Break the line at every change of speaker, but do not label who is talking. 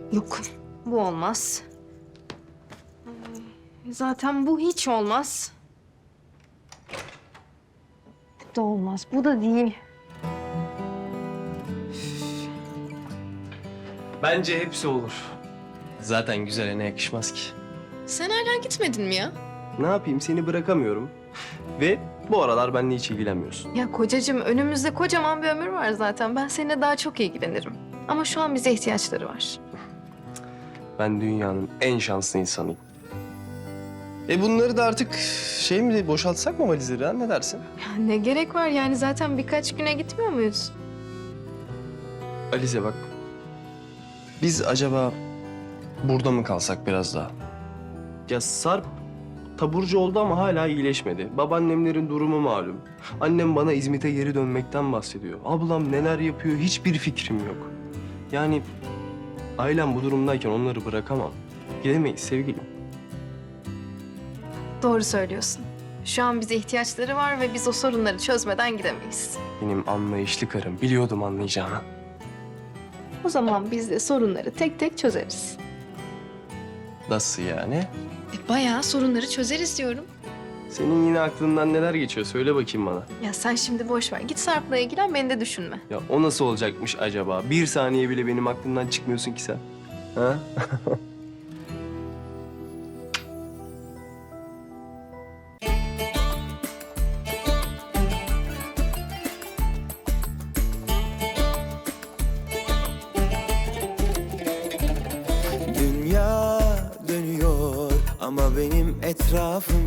Yok, bu olmaz. Zaten bu hiç olmaz. Bu da olmaz, bu da değil.
Bence hepsi olur. Zaten güzele ne yakışmaz ki.
Sen hala gitmedin mi ya?
Ne yapayım, seni bırakamıyorum. Ve bu aralar benimle hiç ilgilenmiyorsun.
Ya kocacığım, önümüzde kocaman bir ömür var zaten. Ben seninle daha çok ilgilenirim. Ama şu an bize ihtiyaçları var.
Ben dünyanın en şanslı insanıyım. Bunları da artık boşaltsak mı valizleri ha? Ne dersin?
Ya ne gerek var yani, zaten birkaç güne gitmiyor muyuz?
Alize bak. Biz acaba burada mı kalsak biraz daha? Ya Sarp taburcu oldu ama hala iyileşmedi. Babaannemlerin durumu malum. Annem bana İzmit'e geri dönmekten bahsediyor. Ablam neler yapıyor hiçbir fikrim yok. Yani ailem bu durumdayken onları bırakamam. Gidemeyiz sevgilim.
Doğru söylüyorsun. Şu an bize ihtiyaçları var ve biz o sorunları çözmeden gidemeyiz.
Benim anlayışlı karım. Biliyordum anlayacağını.
O zaman biz de sorunları tek tek çözeriz.
Nasıl yani?
Bayağı sorunları çözeriz diyorum.
Senin yine aklından neler geçiyor? Söyle bakayım bana.
Ya sen şimdi boş ver. Git Sarp'la ilgilen, beni de düşünme.
Ya o nasıl olacakmış acaba? Bir saniye bile benim aklımdan çıkmıyorsun ki sen. Ha?
Dünya dönüyor ama benim etrafım